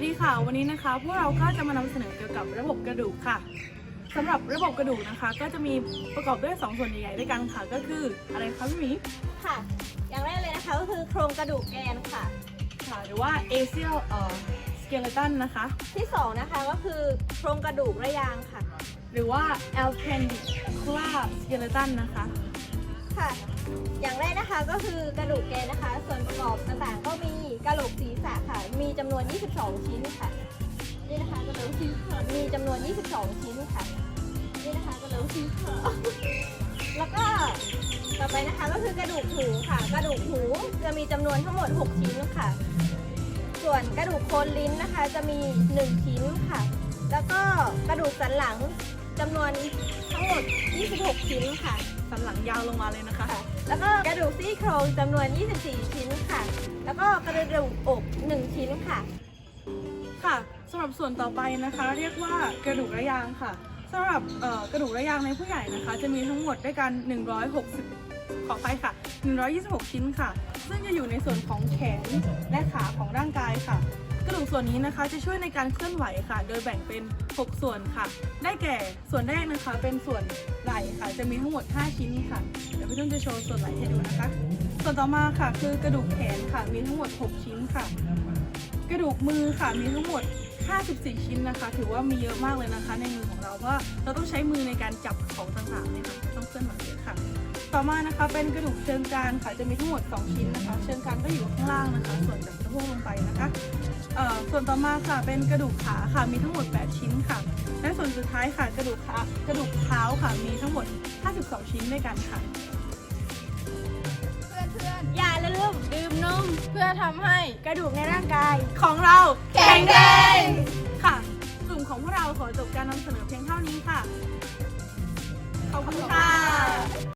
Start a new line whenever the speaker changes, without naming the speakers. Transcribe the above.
ดีค่ะวันนี้นะคะพวกเราก็จะมานำเสนอเกี่ยวกับระบบกระดูกค่ะสำหรับระบบกระดูกนะคะก็จะมีประกอบด้วย2ส่วนใหญ่ๆด้วยกันค่ะก็คืออะไรคะพี่หมี
ค่ะอย่างแรกเลยนะคะก็คือโครงกระดูกแกนค่ะ
หรือว่า axial skeleton นะคะ
ที่2นะคะก็คือโครงกระดูกระยางค่ะ
หรือว่า appendicular skeleton นะคะ
ค่ะอย่างแรกนะคะก็คือกระดูกแกนนะคะส่วนประกอบต่างๆก็มีกระโหลกศีรษะค่ะมีจำนวน22ชิ้นค่ะนี่นะคะกระโหลกศีรษะมีจำนวน22ชิ้นค่ะนี่นะคะกระโหลกศีรษะแล้วก็ต่อไปนะคะก็คือกระดูกหูค่ะกระดูกหูจะมีจำนวนทั้งหมด6ชิ้นค่ะส่วนกระดูกโคนลิ้นนะคะจะมี1ชิ้นค่ะแล้วก็กระดูกสันหลังจำนวนทั้งหมด26ชิ้นค่ะ
สันหลังยาวลงมาเลยนะคะ
แล้วก็กระดูกซี่โครงจำนวน24ชิ้นค่ะแล้วก็กระดูกอก1ชิ้นค่ะ
ค่ะสำหรับส่วนต่อไปนะคะเรียกว่ากระดูกระยางค่ะสำหรับกระดูกระยางในผู้ใหญ่นะคะจะมีทั้งหมดด้วยกัน160ขอไปค่ะ126ชิ้นค่ะซึ่งจะอยู่ในส่วนของแขนและขาของร่างกายค่ะกระดูกส่วนนี้นะคะจะช่วยในการเคลื่อนไหวค่ะโดยแบ่งเป็น6ส่วนค่ะได้แก่ส่วนแรกนะคะเป็นส่วนไหล่ค่ะจะมีทั้งหมด5ชิ้นค่ะเดี๋ยวพี่ตุ้มจะโชว์ส่วนไหล่ให้ดูนะคะส่วนต่อมาค่ะคือกระดูกแขนค่ะมีทั้งหมด6ชิ้นค่ะกระดูกมือค่ะมีทั้งหมด54ชิ้นนะคะถือว่ามีเยอะมากเลยนะคะในมือของเราเพราะเราต้องใช้มือในการจับของต่างๆเนี่ยค่ะต้องเคลื่อนไหวเยอะค่ะต่อมานะคะเป็นกระดูกเชิงกรานค่ะจะมีทั้งหมด2ชิ้นนะคะเชิงกรานก็อยู่ข้างล่างนะคะส่วนจากสะโพกลงไปนะคะส่วนต่อมาค่ะเป็นกระดูกขาค่ะมีทั้งหมด8ชิ้นค่ะและส่วนสุดท้ายค่ะกระดูกเท้าค่ะมีทั้งหมด52ชิ้นด้วยกันค่ะ
เพื่อนๆอย่าลืมดื่มนมเพื่อทำให้กระดูกในร่างกาย
ของเรา
แข็งแรง
ค่ะกลุ่มของพวกเราขอจบการนำเสนอเพียงเท่านี้ค่ะขอบคุณค่ะ